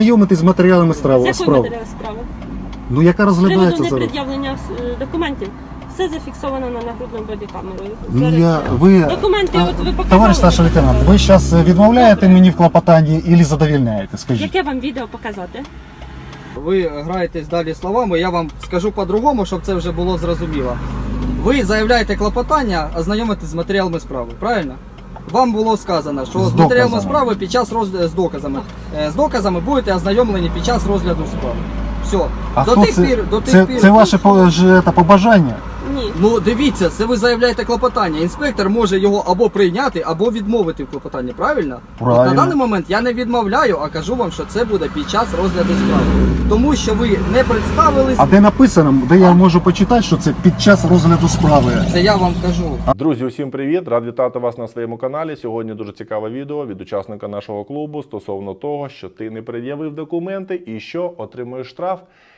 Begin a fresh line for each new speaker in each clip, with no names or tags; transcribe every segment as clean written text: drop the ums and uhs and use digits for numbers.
Знайомитись з матеріалами
З якої
справи.
матеріали справи?
Ну, яка
З
розглядається
приводу
зараз?
непред'явлення документів. Все зафіксовано на нагрудному бодікамерою.
Ну, ви,
Документи, от ви показали.
товариш старший лейтенант, ви зараз відмовляєте
Добре.
мені в клопотанні і задовільняєте, скажіть?
Яке вам відео показати?
Ви граєтесь далі словами, я вам скажу по-другому, щоб це вже було зрозуміло. Ви заявляєте клопотання, ознайомитись з матеріалами справи, правильно? Вам було сказано, що з матеріалами
доказами.
справи під час розгляду з доказами. З доказами будете ознайомлені під час розгляду справи. Все.
А
До
хто
тих
це?
пір, до тих пір.
Це ваше побажання?
Ні.
Ну дивіться, це ви заявляєте клопотання. Інспектор може його або прийняти, або відмовити в клопотанні, правильно?
Правильно.
От на даний момент я не відмовляю, а кажу вам, що це буде під час розгляду справи. Тому що ви не представились,
А де написано, де я можу почитати, що це під час розгляду справи?
це я вам кажу.
Друзі, усім привіт! Рад вітати вас на своєму каналі. Сьогодні дуже цікаве відео від учасника нашого клубу стосовно того, що ти не пред'явив документи і що отримуєш штраф.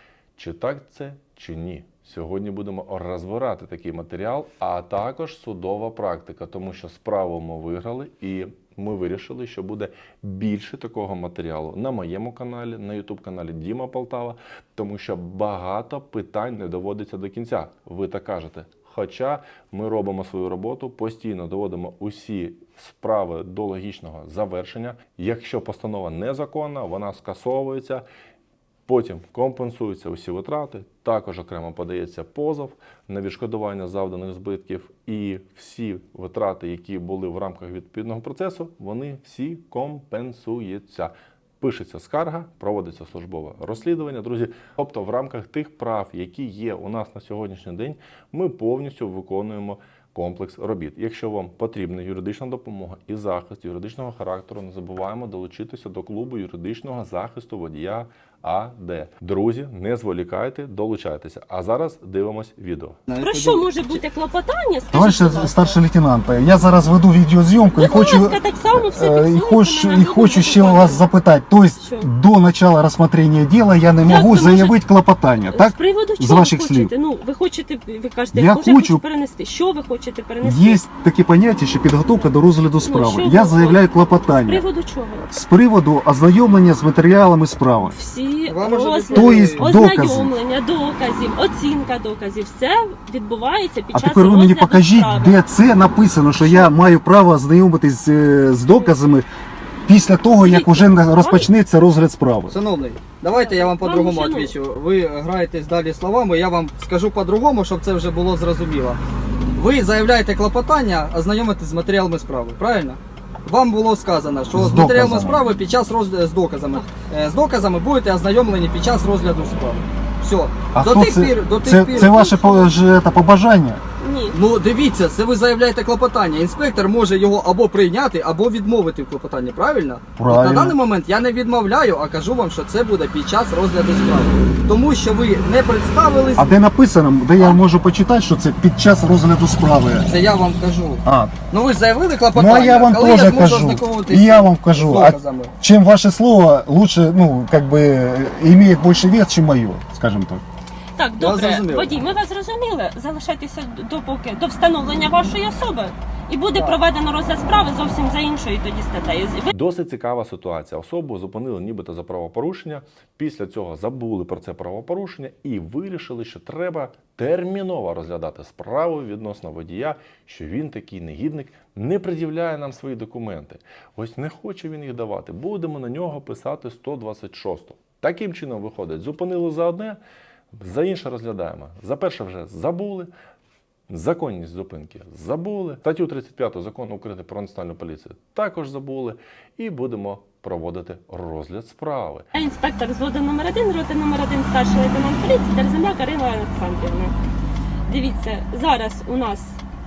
Чи так це, чи ні? Сьогодні будемо розбирати такий матеріал, а також судова практика, тому що справу ми виграли і ми вирішили, що буде більше такого матеріалу на моєму каналі, на YouTube-каналі Діма Полтава, тому що багато питань не доводиться до кінця. Ви так кажете. Хоча ми робимо свою роботу, постійно доводимо усі справи до логічного завершення. Якщо постанова незаконна, вона скасовується. Потім компенсуються усі витрати, також окремо подається позов на відшкодування завданих збитків і всі витрати, які були в рамках відповідного процесу, вони всі компенсуються. Пишеться скарга, проводиться службове розслідування, друзі. Тобто в рамках тих прав, які є у нас на сьогоднішній день, ми повністю виконуємо комплекс робіт. Якщо вам потрібна юридична допомога і захист юридичного характеру, не забуваємо долучитися до клубу юридичного захисту водія АД. Друзі, не зволікайте, долучайтеся. А зараз дивимось відео.
Про що може бути клопотання? Скажіть,
Товариш
будь ласка.
старший лейтенант, я зараз веду відеозйомку і
Будь
хочу,
ласка, так само все
і
фіксується на
хочу ще
нагрудному
вас запитати. Тобто
Що?
до начала розгляду діла я не
Як
можу
ви
заявити клопотання, так?
З приводу
З
чого
ваших
ви
слів.
хочете? Ну, ви хочете, ви кажете,
Я
може,
хочу-
перенести. Що ви хочете перенести?
Є таке поняття, що підготовка до розгляду справи.
що
Я
ви
заявляю
З
клопотання.
приводу чого?
З приводу ознайомлення з матеріалами справи.
Всі
Вам уже
розгляди,
Тобто докази.
ознайомлення, доказів, оцінка доказів, все відбувається під
А
час
тепер ви мені
розгляду
покажіть,
справи.
де це написано, що я маю право ознайомитись з доказами після того, як
Дивіться,
вже розпочнеться розгляд справи.
Шановний, давайте я вам по-другому
Вам
відповідаю. Ви граєтесь далі словами, я вам скажу по-другому, щоб це вже було зрозуміло. Ви заявляєте клопотання, ознайомитись з матеріалами справи, правильно? Вам було сказано, що
З
з матеріалами
доказами.
справи під час розгляду з доказами. З доказами будете ознайомлені під час розгляду справи. Все.
А
До
хто
тих
це?
пір, до тих пір.
Це ваше побажання?
Ні.
Ну дивіться, це ви заявляєте клопотання. Інспектор може його або прийняти, або відмовити в клопотанні, правильно?
Правильно.
От на даний момент я не відмовляю, а кажу вам, що це буде під час розгляду справи. Тому що ви не представились,
А де написано, де я можу почитати, що це під час розгляду справи?
це я вам кажу.
А,
Ну ви ж заявили
ну
клопотання,
а я вам
коли я
теж
зможу
кажу.
ознайомитись
І я вам
з
кажу, а
доказами?
чим ваше слово лучше, ну, как бы, имеет больше вес, чем мое, скажем так.
Так,
Я
добре,
зрозумів.
водій, ми вас зрозуміли. Залишайтеся допоки до встановлення вашої особи. І буде проведено розгляд справи зовсім за іншою тоді статтею. Ви
Досить цікава ситуація. Особу зупинили нібито за правопорушення, після цього забули про це правопорушення і вирішили, що треба терміново розглядати справу відносно водія, що він такий негідник, не пред'являє нам свої документи. Ось не хоче він їх давати. Будемо на нього писати 126. Таким чином виходить, зупинили за одне, за інше розглядаємо. За перше вже забули, законність зупинки забули, статтю 35 Закону України про національну поліцію також забули і будемо проводити розгляд справи.
Я інспектор взводу номер 1, роти номер 1, старший лейтенант поліції Терземляк Карина Олександрівна. Дивіться, зараз у нас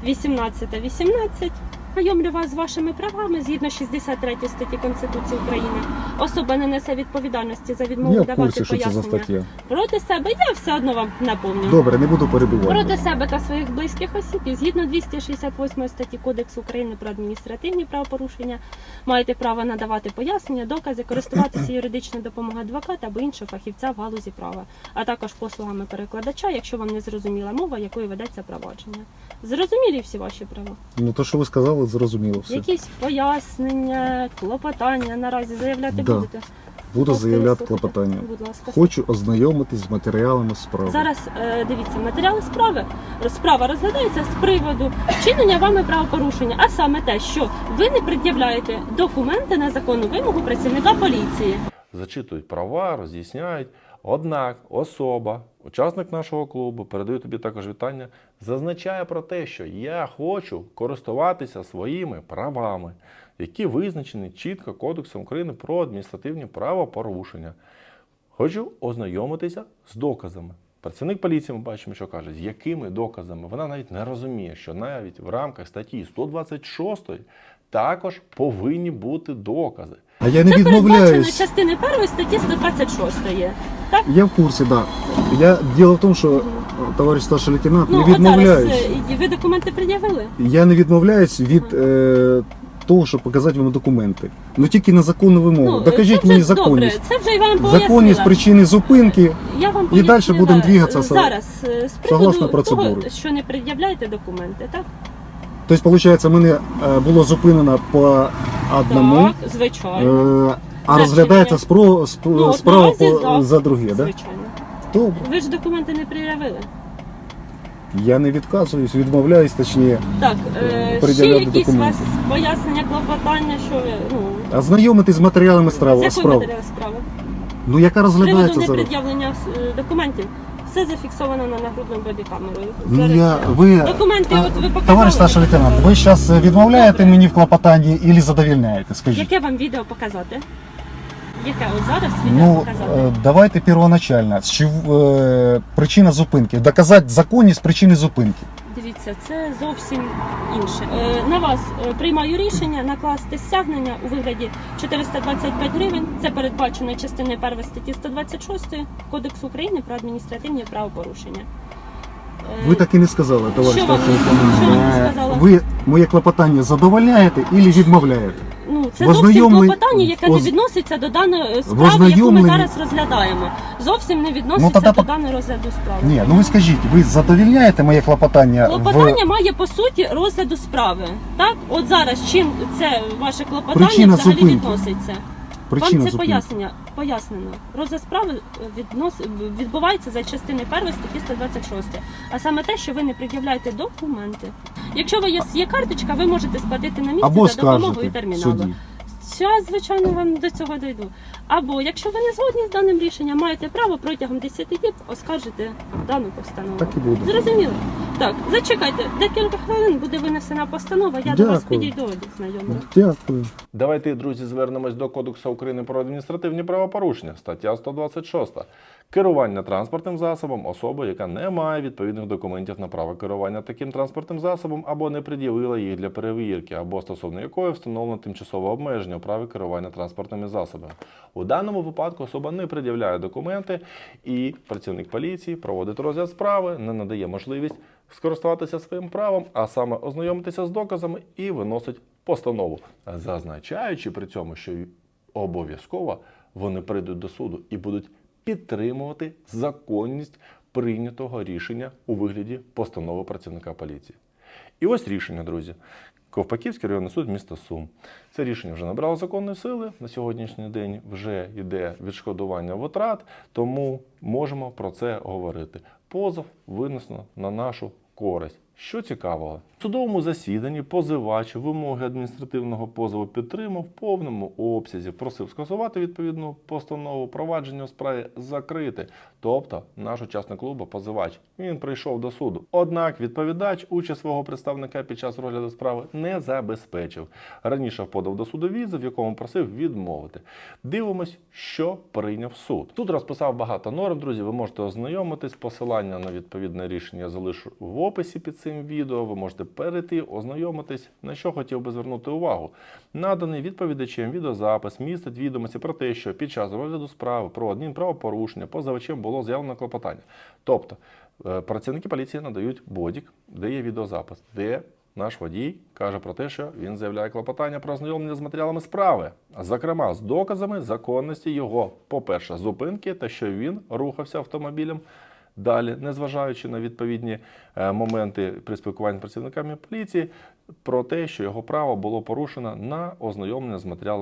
18:18. Знайомлю вас з вашими правами згідно 63 статті Конституції України. Особа не несе відповідальності за відмову
Я в
давати
курсі, що це за
пояснення
стаття.
проти себе. Я все одно вам напомню.
Добре, не буду перебивати.
Проти себе та своїх близьких осіб і згідно 268 статті Кодексу України про адміністративні правопорушення маєте право надавати пояснення, докази, користуватися юридичною допомогою адвоката або іншого фахівця в галузі права, а також послугами перекладача, якщо вам не зрозуміла мова, якою ведеться провадження. Зрозумілі всі ваші права?
Ну, то, що ви сказали, зрозуміло все.
Якісь пояснення, клопотання наразі заявляти
Да.
будете?
Буду
Ласка,
заявляти
слухайте.
клопотання.
Будь ласка.
Хочу ознайомитись з матеріалами справи.
Зараз дивіться, матеріали справи. Справа розглядається з приводу вчинення вами правопорушення, а саме те, що ви не пред'являєте документи на законну вимогу працівника поліції.
Зачитують права, роз'ясняють. Однак особа, учасник нашого клубу, передаю тобі також вітання, зазначає про те, що я хочу користуватися своїми правами, які визначені чітко Кодексом України про адміністративні правопорушення. Хочу ознайомитися з доказами. Працівник поліції, ми бачимо, що каже, з якими доказами. Вона навіть не розуміє, що навіть в рамках статті 126 також повинні бути докази.
А я не
Це передбачено
відмовляюсь.
частини 1 статті 126. Так?
Я в курсі, так. Да. Діло в тому, що товариш старший лейтенант, не
От зараз
відмовляюсь.
ви документи пред'явили?
Я не відмовляюсь від того, щоб показати вам документи. Ну тільки на законну вимогу. Докажіть
це
мені
вже добре,
законність.
це вже і вам пояснила.
Законність причини зупинки.
Я вам
І
пояснила
далі будемо двигатися
зараз з
согласно
приводу
процедури.
того, що не пред'являєте документи, так?
Тобто, виходить, мене було зупинено по одному,
Так, звичайно.
а розглядається
Ну,
справа
наразі, так.
за друге, так? Да?
Звичайно.
Добре.
Ви ж документи не пред'явили.
Я не відказуюсь, відмовляюсь, точніше.
Так, ще
Пред'являти
якісь у вас
документи.
пояснення, клопотання, що ви,
Ознайомитись з матеріалами
з якої
справи.
матеріали справи?
Ну, яка
З приводу
розглядається зараз?
непред'явлення документів. Все зафіксовано на нагрудному бодікамерою.
Ну,
Зараз
ви,
документи, от ви показали.
товариш старший лейтенант, ви зараз відмовляєте
Добре.
мені в клопотанні і задовільняєте, скажіть?
Яке вам відео показати? Яке от зараз відео
Ну,
показати?
давайте первоначально. Причина зупинки. Доказати законність причини зупинки.
Дивіться, це зовсім інше. На вас приймаю рішення накласти стягнення у вигляді 425 гривень. Це передбачено частиною 1 статті 126 Кодексу України про адміністративні правопорушення.
Ви так і не сказали, товариш
Що вам-
старший лейтенант.
що вам не сказала?
Ви моє клопотання задовольняєте і відмовляєте?
Ну, це
В
зовсім
ознайомлен-
клопотання, яке не
оз-
відноситься до даної
В
справи, яку ми
ознайомленні-
зараз розглядаємо. Зовсім не відноситься
Ну, тоді
до
по-
даної розгляду справи.
Ні, ну ви скажіть, ви задовільняєте моє клопотання
Клопотання має по суті розгляду справи. Так, от зараз чим це ваше клопотання
Причина
взагалі
зупинки.
відноситься?
причина
Вам це
зупинки?
пояснено. Розгляд справи відбувається за частиною 1 статті 126. А саме те, що ви не пред'являєте документи. Якщо у вас є карточка, ви можете сплатити на місці
Або
за допомогою
скажете в
терміналу.
суді.
Зараз, звичайно, вам до цього дойду. Або, якщо ви не згодні з даним рішенням, маєте право протягом 10 діб оскаржити дану постанову.
Так і буде.
Зрозуміло? Так, зачекайте, декілька хвилин буде винесена постанова, я до вас
Дякую.
підійду, знайомлю.
Дякую.
Давайте, друзі, звернемось до Кодексу України про адміністративні правопорушення, стаття 126. Керування транспортним засобом особи, яка не має відповідних документів на право керування таким транспортним засобом або не пред'явила їх для перевірки, або стосовно якої встановлено тимчасове обмеження у праві керування транспортними засобами. У даному випадку особа не пред'являє документи і працівник поліції проводить розгляд справи, не надає можливість скористуватися своїм правом, а саме ознайомитися з доказами і виносить постанову, зазначаючи при цьому, що обов'язково вони прийдуть до суду і будуть підтримувати законність прийнятого рішення у вигляді постанови працівника поліції. І ось рішення, друзі. Ковпаківський районний суд міста Сум. Це рішення вже набрало законної сили. На сьогоднішній день вже йде відшкодування витрат, тому можемо про це говорити. Позов винесено на нашу користь. Що цікавого? В судовому засіданні позивач вимоги адміністративного позову підтримав в повному обсязі, просив скасувати відповідну постанову, провадження у справі закрити. Тобто наш учасник клубу, позивач, він прийшов до суду. Однак відповідач участь свого представника під час розгляду справи не забезпечив. Раніше подав до суду відзив, в якому просив відмовити. Дивимось, що прийняв суд. Суд розписав багато норм, друзі, ви можете ознайомитись, посилання на відповідне рішення я залишу в описі під цим відео, ви можете перейти, ознайомитись. На що хотів би звернути увагу. Наданий відповідачем відеозапис містить відомості про те, що під час розгляду справи про адмінправопорушення позивачем було заявлено клопотання. Тобто, працівники поліції надають бодік, де є відеозапис, де наш водій каже про те, що він заявляє клопотання про ознайомлення з матеріалами справи, зокрема з доказами законності його, по-перше, зупинки та що він рухався автомобілем далі, незважаючи на відповідні моменти при спілкуванні з працівниками поліції, про те, що його право було порушено на ознайомлення з матеріалами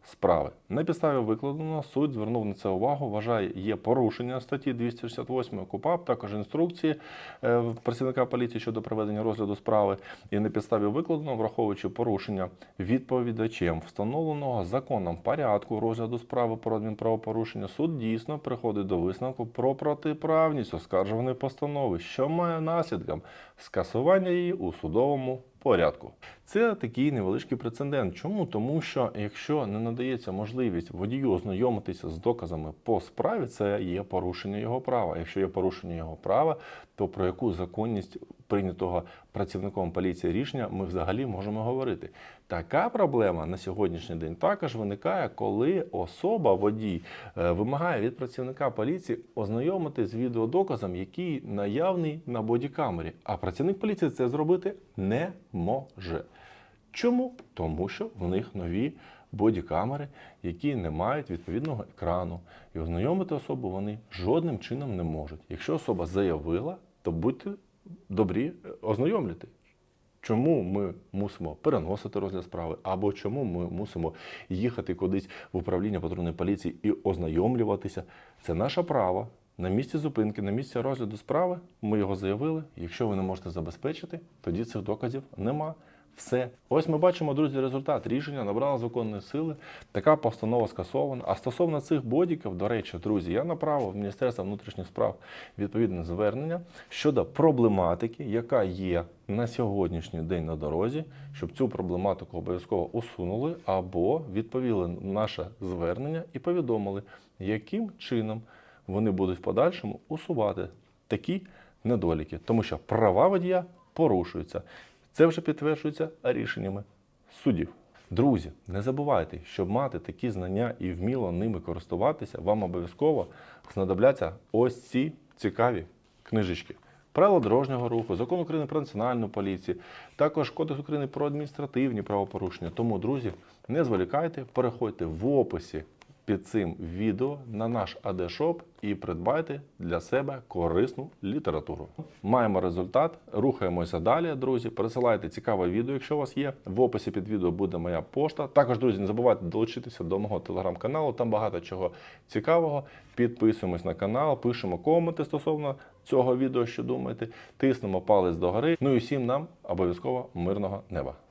справи. На підставі викладеного суд звернув на це увагу, вважає, є порушення статті 268 КУпАП, також інструкції працівника поліції щодо проведення розгляду справи. І на підставі викладеного, враховуючи порушення відповідачем встановленого законом порядку розгляду справи про адмінправопорушення, суд дійсно приходить до висновку про протиправність оскаржуваної постанови, що має наслідком скасування її у судовому порядку. Це такий невеличкий прецедент. Чому? Тому що якщо не надається можливість водію ознайомитися з доказами по справі, це є порушення його права. Якщо є порушення його права, то про яку законність прийнятого працівником поліції рішення ми взагалі можемо говорити. Така проблема на сьогоднішній день також виникає, коли особа, водій, вимагає від працівника поліції ознайомитись з відеодоказом, який наявний на бодікамері. А працівник поліції це зробити не може. Чому? Тому що в них нові бодікамери, які не мають відповідного екрану. І ознайомити особу вони жодним чином не можуть. Якщо особа заявила, то будьте добрі ознайомлювати. Чому ми мусимо переносити розгляд справи, або чому ми мусимо їхати кудись в управління патрульної поліції і ознайомлюватися. Це наше право. На місці зупинки, на місці розгляду справи ми його заявили. Якщо ви не можете забезпечити, тоді цих доказів нема. Все. Ось ми бачимо, друзі, результат. Рішення набрало законної сили. Така постанова скасована. А стосовно цих бодіків, до речі, друзі, я направив в Міністерство внутрішніх справ відповідне звернення щодо проблематики, яка є на сьогоднішній день на дорозі, щоб цю проблематику обов'язково усунули або відповіли на наше звернення і повідомили, яким чином вони будуть в подальшому усувати такі недоліки. Тому що права водія порушуються. Це вже підтверджується рішеннями судів. Друзі, не забувайте, щоб мати такі знання і вміло ними користуватися, вам обов'язково знадобляться ось ці цікаві книжечки. Правила дорожнього руху, Закон України про національну поліцію, також Кодекс України про адміністративні правопорушення. Тому, друзі, не зволікайте, переходьте в описі під цим відео на наш АД-шоп і придбайте для себе корисну літературу. Маємо результат, рухаємося далі, друзі. Пересилайте цікаве відео, якщо у вас є. В описі під відео буде моя пошта. Також, друзі, не забувайте долучитися до мого телеграм-каналу, там багато чого цікавого. Підписуємось на канал, пишемо коменти стосовно цього відео, що думаєте, тиснемо палець догори. Ну і всім нам обов'язково мирного неба.